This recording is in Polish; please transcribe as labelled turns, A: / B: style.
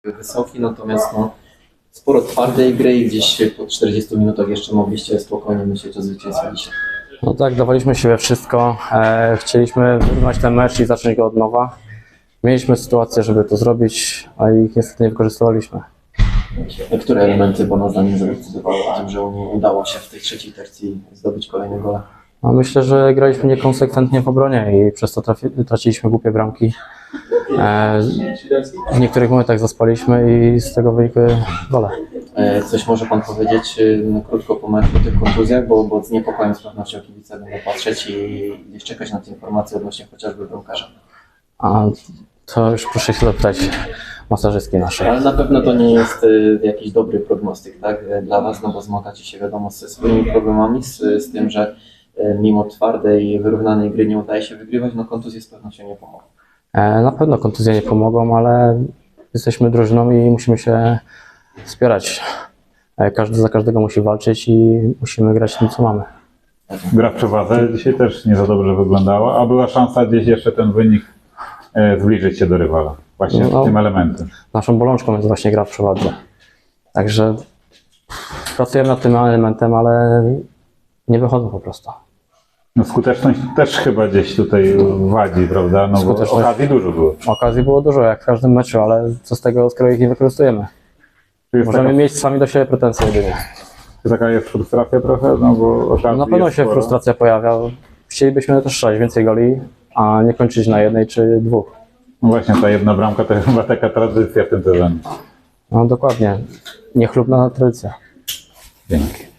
A: wysoki, natomiast no, sporo twardej gry i gdzieś po 40 minutach jeszcze mogliście spokojnie myśleć o zwycięstwie dzisiaj.
B: No tak, dawaliśmy siebie wszystko. Chcieliśmy wyrównać ten mecz i zacząć go od nowa. Mieliśmy sytuację, żeby to zrobić, a ich niestety nie wykorzystywaliśmy.
A: Które elementy Pana zdaniem zadecydowały o tym, że udało się w tej trzeciej tercji zdobyć kolejne gole?
B: No myślę, że graliśmy niekonsekwentnie w obronie i przez to traciliśmy głupie bramki. W niektórych momentach zaspaliśmy i z tego wynikły gole.
A: Coś może Pan powiedzieć krótko po meczu o tych kontuzjach, bo z niepokojem z pewnością kibice będą patrzeć i gdzieś czekać na te informacje odnośnie chociażby bramkarza.
B: A to już proszę się zapytać masażystki naszej.
A: Ale na pewno to nie jest jakiś dobry prognostyk, tak, dla Was, no bo zmagacie się wiadomo ze swoimi problemami, z tym, że mimo twardej, wyrównanej gry nie udaje się wygrywać, no kontuzje z pewnością nie pomogą.
B: Na pewno kontuzje nie pomogą, ale jesteśmy drużyną i musimy się wspierać. Każdy za każdego musi walczyć i musimy grać tym, co mamy.
C: Gra w przewadze dzisiaj też nie za dobrze wyglądała, a była szansa gdzieś jeszcze ten wynik zbliżyć się do rywala. Właśnie tym elementem.
B: Naszą bolączką jest właśnie gra w przewadze. Także pracujemy nad tym elementem, ale nie wychodzą po prostu.
C: No skuteczność też chyba gdzieś tutaj wadzi, prawda? No bo okazji dużo było.
B: Okazji było dużo, jak w każdym meczu, ale co z tego, skoro ich nie wykorzystujemy? Możemy mieć sami do siebie pretensje jedynie.
C: Taka jest frustracja trochę, no bo okazji
B: Na pewno
C: jest
B: się
C: sporo.
B: frustracja pojawia. Chcielibyśmy też strzelać więcej goli, a nie kończyć na jednej czy dwóch.
C: No właśnie, ta jedna bramka to chyba taka tradycja w tym sezonie.
B: No dokładnie. Niechlubna tradycja.
C: Dzięki.